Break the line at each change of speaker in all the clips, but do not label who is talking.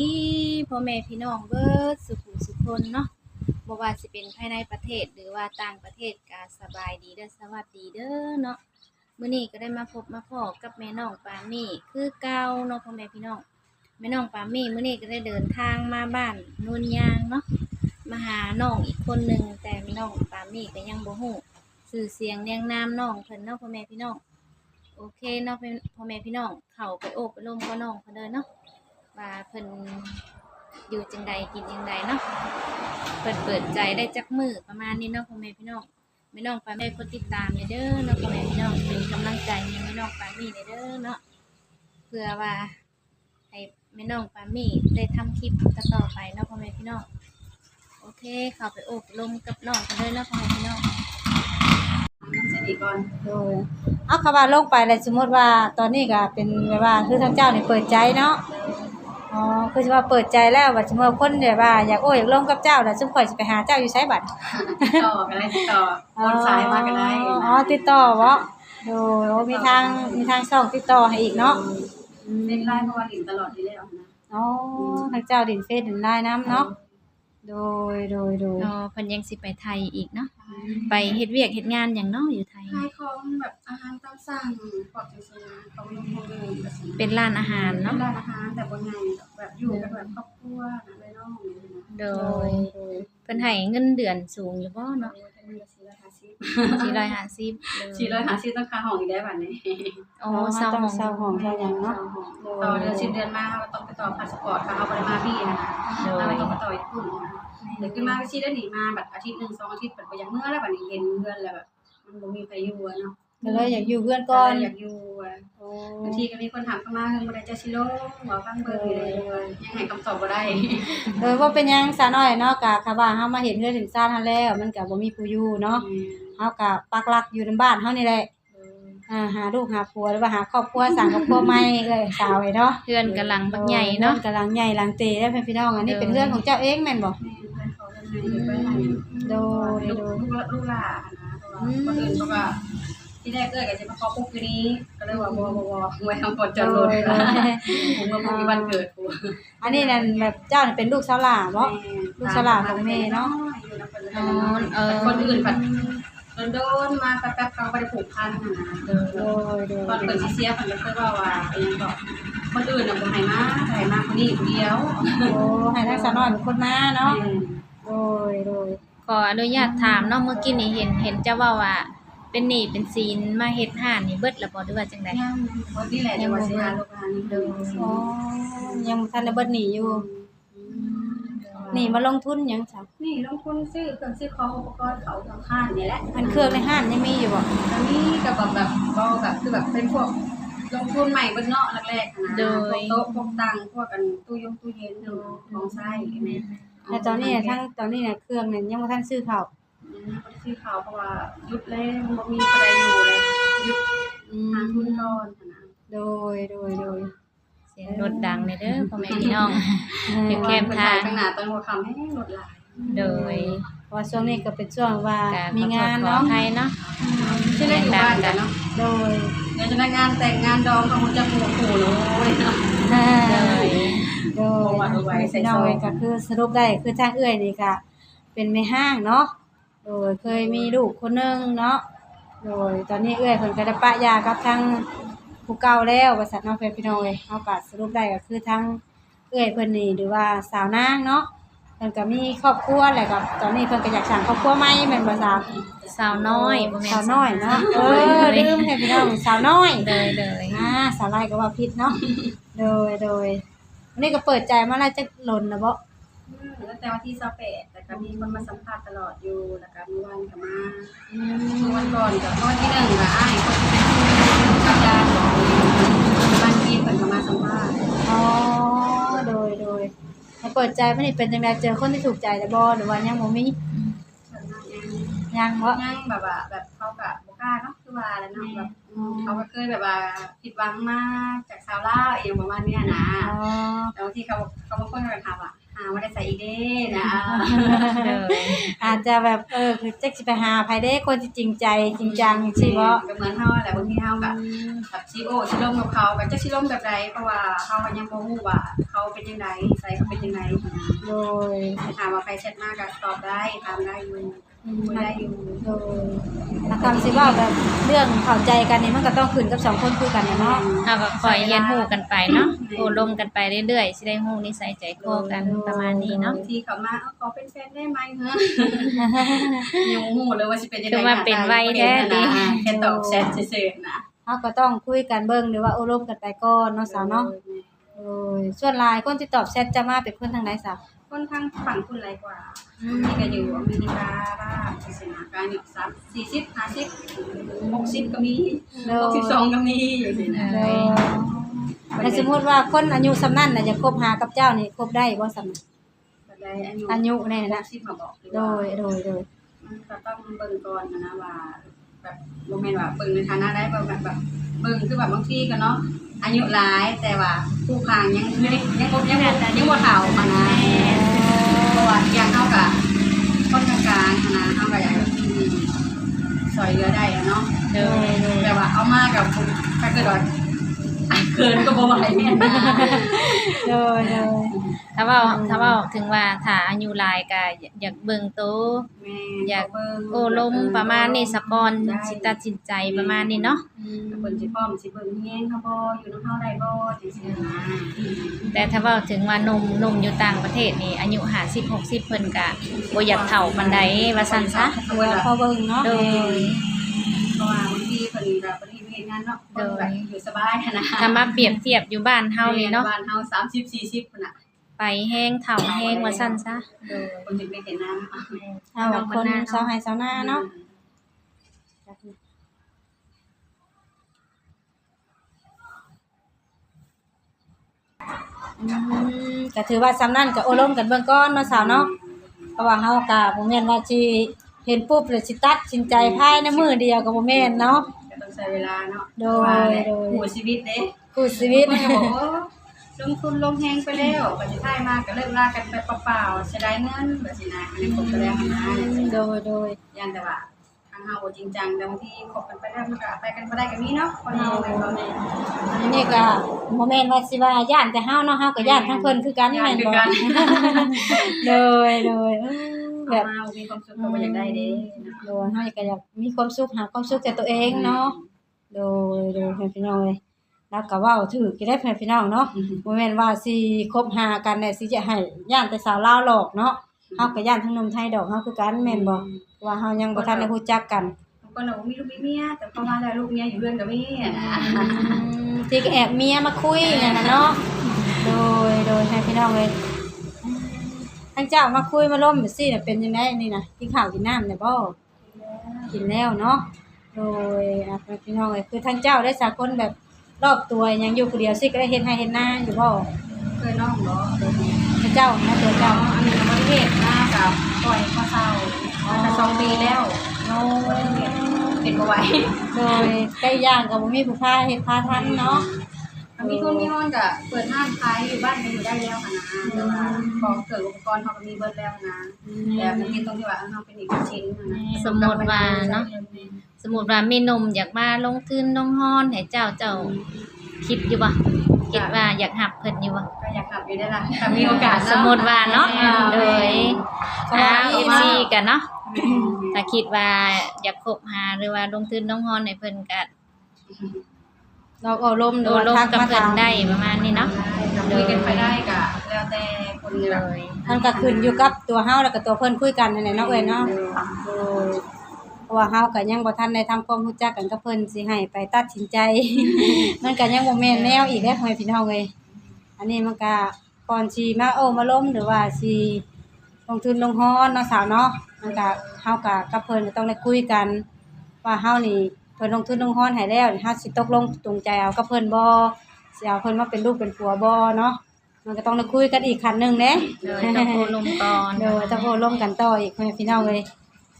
ดีพ่อแม่พี่น้องเบิดสุขุสุขคนเนาะบ่ว่าสิเป็นภายในประเทศหรือว่าต่างประเทศก็สบายดีเด้อสวัสดีเด้อเนาะมื้อนี้ก็ได้มาพบมาพ้อกับแม่น้องปามี่คือเก่าเนาะพ่อแม่พี่น้องแม่น้องปามี่มื้อนี้ก็ได้เดินทางมาบ้านโนนยางเนาะมาหาน้องอีกคนหนึงแต่แม่น้องปามี่ก็ยังบ่ฮู้ชื่อเสียงเรียงนามน้องเพิ่นเนาะพ่อแม่พี่น้องโอเคเนาะพ่อแม่พี่น้องเข้าไปโอบไปร่มกับน้องเพิ่นเด้อเนาะ ว่าเพิ่นอยู่จังใดกินจังใดเนาะเปิดใจได้จักมือประมาณนี้เนาะพ่อแม่พี่น้องไม่น้องปามี่กดติดตามเด้อเนาะพ่อแม่พี่น้องเป็นกำลังใจให้แม่น้องปามี่เด้อเนาะเพื่อว่าให้แม่น้องปามี่ได้ทำคลิปต่อไปเนาะพ่อแม่พี่น้องโอเคเข้าไปโอบลมกับน้องกันเลยเนาะพ่อแม่พี่น้อง
สวัสดีก่อน
โดยเอาคำว่าลงไปแล้วสมมติว่าตอนนี้ก็เป็นแบบว่าคือทางเจ้านี่เปิดใจเนาะอ๋อคือสิว่าเปิดใจแล้วว่าสมมุติว่าคนแบบว่าอยากอยากลงกับเจ้าแล้วซุมข่อยสิไปหาเจ้าอยู่ไสบัด
ต่อกันได้ติดต่อคนสายมากันได้
อ๋อติดต่อบ่โดยโอ้มีทางช่องติดต่อให้อีกเนาะ
เป็นไลน์เพราะว่าดินตลอดที่แล้วนะ
อ๋อทางเจ้าดินเฟซดินไลน์นำเนาะโดย
เพิ่นยังสิไปไทยอีกเนาะไปเฮ็ดเวียกเฮ็ดงานหยังเนาะอยู่ไทย
ขายของแบบอาหารตามสั่งพวกจังซี่นะของลงโรงเรียนแบบนี้
เป็นร้านอาหารเนาะ
ร้านอาหารแต่บ่ใหญ่แบบอยู่กันแบบครอบครัวนะเลยน้อง
โดยเพิ่นให้เงินเดือนสูงอยู่บ่เนาะ450
ต้องค่าห้องอีกแล้วบัดนี้
อ๋อเช่าห้อง
เช่าหยังเนาะ
ต่อเดือน10เดือนมาเราต้องไปต่อพาสปอร์ตค่ะเอาบ่ได้มาพี่นะเราไม่ต้องไปต่ออีกพุ่นเดี๋ยวขึ้นมาสิได้หนีมาแบบอาทิตย์1 2อาทิตย์เปิดบ่อย่างเมื่อแล้วบัดนี้เห็นเพื่อนแล้วแบบมันบ่มีไผอยู่เนาะ
ก็เลยอยากอยู่เพื่อนก่อน
อยากอยู่บางทีก็มีคนถามเข้ามาเมื่อใดจะสิลงบ่ฟังเบิ่งเลยยังให้คำตอบบ่ได้
ว่าเป็นหยังซะน้อยเนาะก็ค่ะว่าเฮามาเห็นเฮือนเห็นซ่านเฮาแล้วมันก็บ่มีผู้อยู่เนาะเฮาก็ปักหลักอยู่ในบ้านเฮานี่แหละหาลูกหาผัวหรือว่าหาครอบครัวสร้างครอบครัวใหม่เอ้ยสาวไอ้เนาะ
เฮือนกำลังบักใหญ่เนาะ
กำลังใหญ่หลังเตแล้วเพิ่นพี่น้องอันนี้เป็นเฮือนของเจ้าเองแม่นบ่โดย
ลูกหลานนะคนอื่นเขาก็ที่แรกก็จะมาขอปุ๊บคืนนี้ก็เลยว่าบ่ไว้ทำก่อนจอดรถผมก็บ่มีวันเกิดกู
อันนี้นั่นแบบเจ้านี่เป็นลูกสาวหลาบ่ลูกสาวหลาของแม่เนาะ
คนอื่นผัดโดนมาแป๊บๆเขาบ่ได้ผูกพันนะตอนเปิดสิเสียเพิ่นก็เคยว่าอีหยังก็คนอื่นน่ะบ่ให้มาคนนี้ผู้เดียว
โอ้ให้ทางสาวน้อยเป็นคนมาเนาะโดย
ขออนุญาตถามเนาะเมื่อกี้นี่เห็นเจ้าว่าเป็นหนี้เป็นสินมาเฮ็ดห้านนี่เบิดแล้วบ่หรือว่าจังได๋
ยังบ่นี่แหละจังว่าสิหาลูกหานี่เด้อ
อ๋อยังบ่ทันได้เบิดหนี้อยู่นี่มาลงทุนหยังจ้ะ
นี่ลงทุนซื้อเครื่องซื้อของอุปกรณ์เขาทางห้านนี่แหละ
อันเครื่องในห้านยังมีอยู่บ่
อันนี้ก็แบบบ่แบบคือแบบเป็นพวกลงทุนใหม่เบิดเนาะแรกๆนะพวกโต๊ะพวกตังพวกกันตู้เย็นของใช้แม่
แต่ตอนนี้ตอนนี้น่ะเครื่องนั้นยังบ่ทันซื้อเข้า
บ่ซื้อข้าวเพราะว่าหยุดเลยบ่มีผู้ใดอยู่เลยหยุดหาทุนก่อนนะ
โดย
เสียงรถดังเด้อพ่อแม่พี่น้องอยู่แคมป์ทาง
ข้างหน้าตอนหัวค่ำให้รถหลาย
โดย
เพราะช่วงนี้ก็เป็นช่วงว่ามีงานเนาะ
ไทยเนาะ
ชื่อได้อยู่บ้านกันเนาะ
โดย
เดี๋ยวจะได้งานแต่งงานดองของจะปู่เลยเนาะ
โดยใส่น้อยก็คือสรุปได้คือทางเอื้อยนี่ก็เป็นแม่ห้างเนาะโดยเคยมีลูกคนนึงเนาะโดยตอนนี้เอื้อยเพิ่นก็ได้ปะยากับทางผู้เก่าแล้วว่าซั่นเนาะเพิ่นพี่น้องเอ้ยเฮาก็สรุปได้ก็คือทางเอื้อยเพิ่นนี่หรือว่าสาวนางเนาะเพิ่นก็มีครอบครัวแล้วก็ตอนนี้เพิ่นก็อยากสร้างครอบครัวใหม่แม่นบ่จ๊ะ
สาวน้อยบ่แม่น
สาวน้อยเนาะลืมให้พี่น้องสาวน้อย
เลย
สาวไรก็ว่าผิดเนาะโดยวันนี้ก็เปิดใจมาแล้วจะหล่นนะบ่
ตั้งแต่วันที่28แต่ก็มีคนมาสัมภาษณ์ตลอดอยู่แล้วก็มื้อวันก็มาวันก่อนกับวันที่1ก็อ้ายคนที่เป็นกับญาติบ้านพี่เพิ่นก็มาสัมภาษณ์
อ๋อโดยให้เปิดใจมันนี่เป็นจังได๋เจอคนที่ถูกใจแล้วบ่หรือว่ายังบ่มี
ยังบ่
ยังบ่
ยังแบบว่าแบบเขาก็บ่กล้าเนาะคือว่าแล้วเนาะแบบเขาก็เคยแบบว่าผิดหวังมากจากชาวลาวเองประมาณเนี้ยนะ
อ๋อ
แต่บางทีเขาบางคนก็แบบถามว่าหาว่าได้ใส่อีกเด้นะ
โดย
อาจจะแบบคือจักสิไปหาไผเด้คนที่จริงใจจริงจังจังซี่บ่
ก็เหมือนเฮาแหละบางทีเฮาก็แบบสิร่มกับเขาก็จะสิร่มแบบใดเพราะว่าเฮาก็ยังบ่ฮู้ว่าเขาเป็นจังไดใส่เขาเป็นจังได
โดย
ถามว่าใครแชทมาก็ตอบได้ถามได้อยู่คุยได้อยู่
โดยถ้าคำสิเว้าแบบเรื่องเข้าใจกันนี่มันก็ต้องขึ้นกับสองคนคุยกันน่ะเนาะ
เฮาก็คอยเรียนรู้กันไปเนาะโอ้ลมกันไปเรื่อยๆสิได้ฮู้นิสัยใจคอกันประมาณนี้เนาะ
บางทีเขามาขอเป็นแฟนได้ไหมเฮ้ยังบ่ฮู้เลยว่าสิเป็นจังได
คือว่าเป็นไวแท้ดิ
แค่ตอบแชทซื่อๆนะ
เฮาก็ต้องคุยกันเบิ่งหรือว่าอบรมกันไปก่อนเนาะสาวเนาะโอ้ยส่วนหลายคนที่ตอบแชทจะมาเป็นคนทางไหนสาว
ค่อนข้างฝั่งคุณไรกว่านี่ก็อยู่อเมริกาบ้างศาสนาการอยู่40 50 60ก็มี62ก็มีอยู่สินะ
โดยแต่สมมุติว่าคนอายุสำนั้นน่ะจะคบหากับเจ้านี่คบได้บ่สำนั้น
บัดใดอา
อา
ยุ
ยุนี่นะ
60มาบอก
โดย
มันก็ต้องเบิ่งก่อนนะว่าแบบบ่แม่นว่าเบิ่งในฐานะได้แบบเบิ่งคือแบบบางทีก็เนาะอายุหลายแต่ว่าผู้พางยังไม่ได้ยังบ่เฒ่ามานะเพราะว่าอย่างเฮาก็คนกลางๆนะเฮาก็อยากซอยเหลือได้อะเนาะ
โดย
แต่ว่าเอามากับถ้าเกิดว่าเกินก็บ่ไหวแม่นนะ
โดย
ถ้าเว้าถึงว่าถ้าอายุหลายก็อยากเบิ่งโต
แม่
อยาก
เบิ่ง
โอ้ลมประมาณนี้สะก่อนสิตัดสินใจประมาณนี้เนาะ
เพิ่นสิพร้อมสิเบิ่งแฮงเฮาบ่อยู่นำเฮาได้บ่จังซี่นะ
แต่ถ้าเว้าถึงว่าหนุ่มอยู่ต่างประเทศนี่อายุ50 60เพิ่นก็บ่อยากเฒ่าปานใดว่าซั่นซะ
โดยพอเบิ่งเนาะ
โดย
เพราะว่าบางทีเพิ่นก็บ่ได้เฮ็ดงานเนาะเพิ่นแบบอยู่สบายนะ
ถ้ามาเปรียบเทียบอยู่บ้านเฮานี่เนาะ
บ้านเฮา30 40พุ่นน่ะ
ไปแห้งเฒ่าแห้งว่าซั่นซะ
เพิ่นสิไปเฮ็ดงาน
เอาแบบคนชาวไร่ชาวนาเนาะก็ถือว่าสำนั้นก็อบรมกันเบื้องก่อนเนาะสาวเนาะเพราะว่าเฮาก็บ่แม่นว่าสิเห็นปุ๊บแล้วสิตัดสินใจภายในมื้อเดียวก็บ่แม่นเนาะ
ก็ต้องใช้เวลาเนาะ
โดย
หัวชีวิตเด้
คู่ชีวิต
มันก็บอกว่าลงทุนลงแฮงไปแล้วบัดนี้ท้ายมาก็เลิกลากันไปเปล่าๆเสียดายเงินแบบนี้นะอันนี้ผมก็แล้วนะจังซี่
โดย
ยันแต่ว่าทางเฮาบ่จริงจังแต่บางทีคบกันไปแล้วมันก็ไปกันบ่ได้ก็มีเนาะคนเฮาแม่นบ่แม่
อันนี้ก็บ่แม่นว่าสิว่าย่านแต่เฮาเนาะเฮาก็ย่านทั้งเพิ่นคือกันแม่นบ่โดย
แบบ
แบบ
มามีความสุขก็บ่อยากได้เด้
โดยเฮาก็อยากมีความสุขหาความสุขจากตัวเองเนาะโดยเพื่อนพี่น้องเอ้ยแล้วก็เว้าถูกอยู่ได้เพื่อนพี่น้องเนาะบ่แม่นว่าสิคบหากันได้สิจะให้ย่านแต่สาวลาวหลอกเนาะเฮาก็ย่านทั้งหนุ่มไทยดอกเฮาคือกันแม่นบ่ว่าเฮายังบ่ทันได้รู้จักกัน
บางคนน่ะบ่มีลูกมีเมียแต่พอมาแล้วลูกเมียอยู่เรือนก็มีอะนะ
ที่ก็แอบเมียมาคุยนั่นน่ะเนาะโดยให้พี่น้องเอ้ยทั้งเจ้ามาคุยมาล้มแบบซี่น่ะเป็นจังไดนี่น่ะกินข้าวกินน้ำได้บ่กินแล้วเนาะโดยพี่น้องเอ้ยคือทั้งเจ้าได้สักคนแบบรอบตัวยังอยู่ผู้เดียวสิก็ได้เฮ็ดให้เฮ็ดนาอยู่บ่
เคยน้องบ่
พระเจ้านะตัว
เจ้า
เจ้า
อันนี้ก็บ่ได้เฮ็ดมากับปล่อยข้อเศร้ามาก็2 ปีแล้ว
โอ้
บ่ได้เฮ็ดเป็นบ่ไหว
โดยใกล้ย่างก็บ่มีผู้พาเฮ็ดพาทันเนาะ
ถ้ามีทุนมีฮ้อนก็เปิดห้างขายอยู่บ้านก็อยู่ได้แล้วค่ะนะแต่ว่าของเครื่องอุปกรณ์เฮาก็มีเบิดแล้วนะแต่มันมีตรงที่ว่าเฮาเป็นเอกชิ้นนะ
สมมุติว่าเนาะสมมุติว่ามีหนุ่มอยากมาลงทุนลงฮ้อนให้เจ้าคิดอยู่บ่คิดว่าอยากหับเพิ่นอยู่บ่
ก็อยากขับอยู่ได้ล่ะถ้ามีโอกาส
สมมุติว่าเนาะโดยFC กันเนาะถ้าคิดว่าอยากคบหาหรือว่าลงทุนลงฮ้อนให้เพิ่นก็
เราเอาลมหรื
โด
อว่า
ลง
ทัก
กับ
มา
เพิ่น
ถาม
ได้ประมาณนี้เนาะ
คุยกันไปได้ก็แล้วแต่คน
เล
แบบ
ย
มันก็ขึ้นอยู่กับตัวเฮาแล้วก็ตัวเพิ่นคุยกันนั่นแหละเนาะเอ้ยเนาะโดยเพราะว่าเฮาก็ยังบ่ทันได้ทำความรู้จักกันกับเพิ่นสิให้ไปตัดสินใจ มันก็ยังบ่แม่นแนวอีกเด้อพ่อแม่พี่น้องเอ้ยอันนี้มันก็ก่อนสิมามาล้มหรือว่าสิลงทุนลงฮ้อนเนาะสาวเนาะมันก็เฮาก็กับเพิ่นก็ต้องได้คุยกัน ว่าเฮานี่เพิ่นลงทุนลงฮ้อนให้แล้วนี่เฮาสิตกลงตรงใจเอากับเพิ่นบ่สิเอาเพิ่นมาเป็นลูกเป็นผัวบ่เนาะมันก็ต้องได้คุยกันอีกขั้นหนึงเด้
เลยต้องโอลมก่อน
เดี๋ยวจะโพลมกันต่ออีกพ่อแม่พี่น้องเลย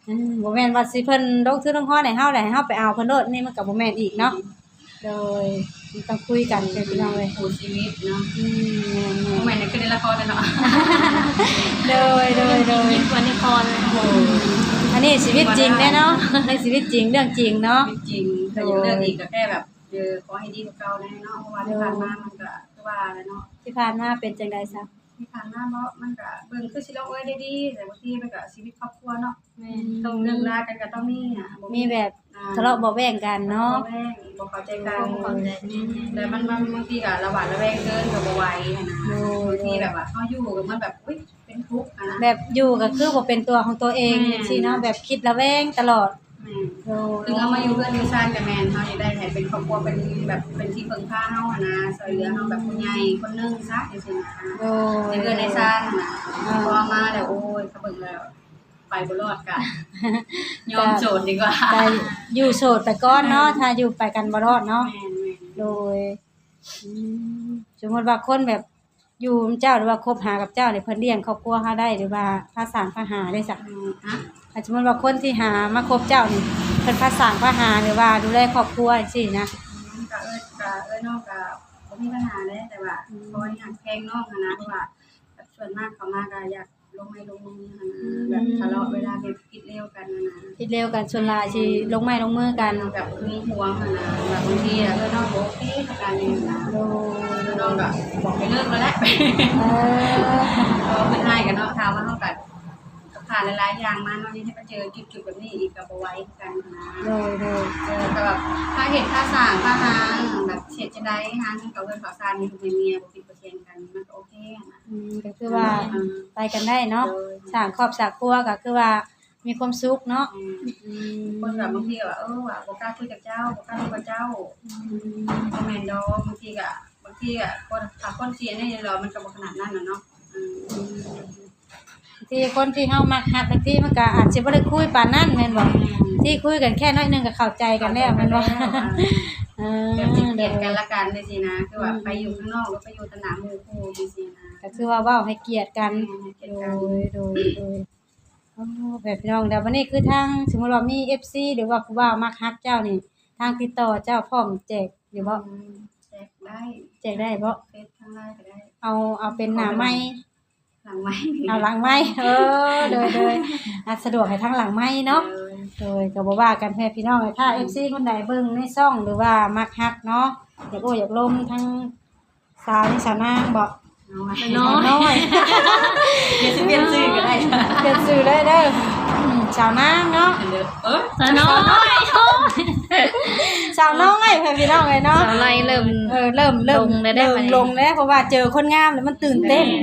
บ่แม่นว่าสิเพิ่นลงทุนลงฮ้อนให้เฮาแหละให้เฮาไปเอาเพิ่นโลดนี่มันก็บ่แม่นอีกเนาะโดยมันต้องคุยกันเด้อพี่น้องเอ้ย
คู่ชีวิตเนาะ
แม่
บ่แม่นคือในละครเลยเนาะ
ๆโดย
ยิ่งกว่าในครเลย
อันนี้ชีวิตจริงแน่เนาะในชีวิตจริงเรื่องจริงเนาะ
จริงๆแต่ยังเลือกอีกก็แค่แบบขอให้ดีกว่าเก่าแน่เนาะเพราะว่าที่ผ่านมามันก็คือว่าแล้วเนาะ
ที่ผ่านมาเป็นจังได๋ซะ
ที่ผ่านมาเนาะมันก็เบิ่งคือสิลงเอ้ยได้ดีแต่บางทีมันก็ชีวิตครอบครัวเนาะ
แม่
ต้องเลิกลากันก็ต้องมีอ่ะ
มีแบบทะเลาะเบาะแว้งกันเนาะ
แม่บ่เข้าใจกัน
เข้าใจ
แต่มันบางทีก็ระหว่างระแวงเกินก็บ่ไหวนะบางทีแบบว่าเฮาอยู่กับมันแบบอุ๊ยเป็นทุกข์อะนะ
แบบอยู่ก็คือบ่เป็นตัวของตัวเองจังซี่เนาะแบบคิดระแวงตลอด
แม่
โดย
ถึงเอามาอยู่เพื่อนอยู่ซ่านกับแม่นเฮานี่ได้ให้เป็นครอบครัวเป็นแบบเป็นที่พึ่งพาเฮาอะนะช่วยเหลือเฮาแบบผู้ใหญ่คนนึงซะจังซี่นะ
โดย
ในเพื่อนในซ่านน่ะพอมาแล้วโอ้ยเขาเบิ่งแล้วไปบ่รอดกะยอมโจรดีกว่า
แต่อยู่โสดไปก่อนเนาะถ้าอยู่ไปกันบ่รอดเนาะ
แม่น
โดยอืมสมมติว่าคนแบบอยู่นำเจ้าหรือว่าคบหากับเจ้าเนี่ยเพิ่นเลี้ยงครอบครัวเฮาได้หรือว่าพาสร้างพาหาได้สัก
ฮะ
ถ้าสมมติว่าคนที่หามาคบเจ้านี่เพิ่นพาสร้างพาหาหรือว่าดูแลครอบครัวจังซี่นะ
กะน้องกะบ่มีปัญหาเด้แต่ว่าเพราะว่าอยากแพงน้องอะนะเพราะว่าแบบส่วนมากเขามาก็อยากลงไม้ลงมืออะนะแบบทะเลาะเวลาแบบคิดเร็วกันอะนะ
คิดเร็วกันส่วนหลายสิลงไม้ลงมือกัน
แบบมีห่วงอะนะแบบบางทีอะน้องบอกโอเคกับการนี้นะ
โดย
น้องก็บอกให้เลิกแล้วแหละ
เออ
ก็เพิ่นให้กันเนาะถามว่าเฮาก็ผ่านหลายๆอย่างมาเนาะยังให้มาเจอจุดๆแบบนี้อีกก็บ่ไหวคือกันนะ
โดย
แต่แบบถ้าเห็นถ้าสร้างถ้าหางแบบเฮ็ดจะได้หางกับเพิ่นขอสร้างมีลูกมีเมียบ่ผิดบ่เถียงกันมันก็โอเคอะนะ
ก็คือว่าไปกันได้เนาะสร้างครอบครัวก็คือว่ามีความสุขเนาะอืม
คนแบบบางทีก็ว่าว่าบ่กล้าคุยกับเจ้าบ่กล้าคุยกับเจ้าบ่แม่นดอกบางทีก็คนถ้าคนเสียเนี่ยเรามันก็บ่ขนาดนั้นน่ะเนาะ
ที่คนที่เฮามักฮักบางทีมันก็อาจสิบ่ได้คุยปานนั้นแม่นบ่ที่คุยกันแค่น้อยหนึงก็เข้าใจกันแล้วแม่นบ่เออ
แบบสิเกลียดกันละกันจังซี่นะคือว่าไปอยู่ข้างนอกหรือไปอยู่สนามหมู่คู่จังซี่นะ
ก็คือว่าเว้าให้เกียรติกัน
เกลียด
โด
กัน
ยอ๋อแบบพี่น้องแล้ววันนี้คือทางสมมุติว่ามี FC หรือว่าผู้ว่ามักฮักเจ้านี่ทางติดต่อเจ้าพร้อมแจกอยู่บ่
แจกได้
แจกได้บ่
เฟซข้างล่างก็ได้
เอาเป็นหน้าไม้
หลังไม้
เอาหลังไม้โดยอาจสะดวกให้ทางหลังไม้เนาะ โดยก็บ่ว่ากันแพ่พี่น้องถ้า FC คนใดเบิ่งในช่องหรือว่ามักฮักเนาะอยากอยากลมทั้งสาวนี่สาวนางบ่
น้อย
น้อย
เดี๋ยวสิเปลี่ยนชื่อก็ได้
เปลี่ยนชื่อเลยเด้อสาวนางเนาะ
สาวน้อย
สาวน้อยแพ่พี่น้องเลยเนาะ
สาวน้อยเริ่ม
เริ่ม
ลงเลยได้
เริ่
ไหม
มลงแล้วเพราะว่าเจอคนงามแล้วมันตื่นเต้น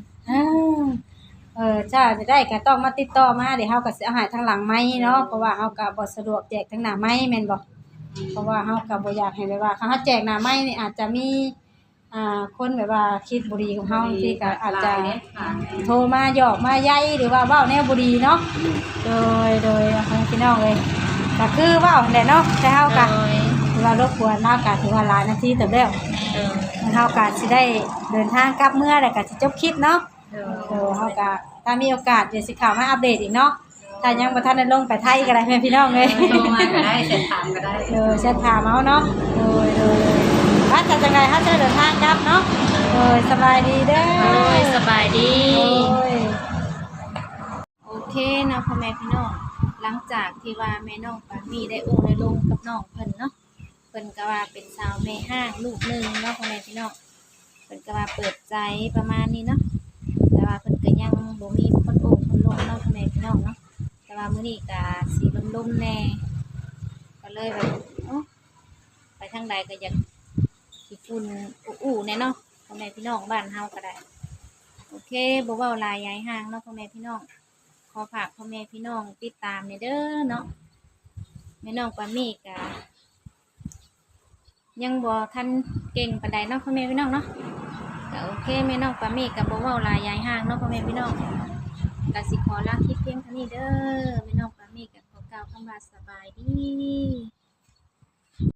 จ้าจะได้ก็ต้องมาติดต่อมาเดี๋ยวเฮาก็สิเอาให้ทางหลังไม้เนาะเพราะว่าเฮาก็บ่สะดวกแจกทางหน้าไม้แม่นบ่ เพราะว่าเฮาก็บ่อยากให้แบบว่าถ้าเฮาแจกหน้าไม้นี่อาจจะมีคนแบบว่าคิดบ่ดีของเฮาที่ก็อาจจะโทรมาหยอกมาใยหรือว่าเว้าแนวบ่ดีเนาะโดยพี่น้องเอ้ยก็คือเว้าแหละเนาะแต่เฮาก็ถือว่ารบกวนเฮาก็ถือว่าหลายนาทีเติบแล้วเฮาก็สิได้เดินทางกลับเมื่อแล้วก็สิจบคลิปเนาะเฮาก็ถ้ามีโอกาสเดี๋ยวสิเข้ามาอัปเดตอีกเนาะถ้ายังบ่ทันได้ลงไปไทยก็ได้แม่พี่น้องเอ้ย
โทรมาก็ได้เสร็จถามก็ได้
จะถามเอาเนาะว่าจะจังไงถ้าจะเดินทางกลับเนาะสบายดีเด้อ
สบายดี
ย
โอเคเนาะพ่อแม่พี่น้องหลังจากที่ว่าแม่น้องปามีได้โอ้ได้ลงกับน้องเพิ่นเนาะเพิ่นก็ว่าเป็นสาวแม่ห้างลูกหนึงเนาะพ่อแม่พี่น้องเพิ่นก็ว่าเปิดใจประมาณนี้เนาะแต่ว่าเพิ่นก็ยังบ่มีคนโอ้คนลงเนาะพ่อแม่พี่น้องเนาะแต่ว่ามื้อนี้ก็สิลมๆแน่ก็เลยแบบไปทางใดก็อยากสิฝุ่นอู้ๆแน่เนาะพ่อแม่พี่น้องบ้านเฮาก็ได้โอเคบ่เว้าหลายยายห่างเนาะพ่อแม่พี่น้องขอฝากพ่อแม่พี่น้องติดตามในเด้อเนาะแม่น้องปามีก็ยังบ่ทันเก่งปานใดเนาะพ่อแม่พี่น้องเนาะก็โอเคแม่น้องปามีก็บ่เว้าหลายยายห่างเนาะพ่อแม่พี่น้องก็สิขอลาคลิปเพียงเท่านี้เด้อแม่น้องปามีก็ขอกล่าวคำว่าสบายดี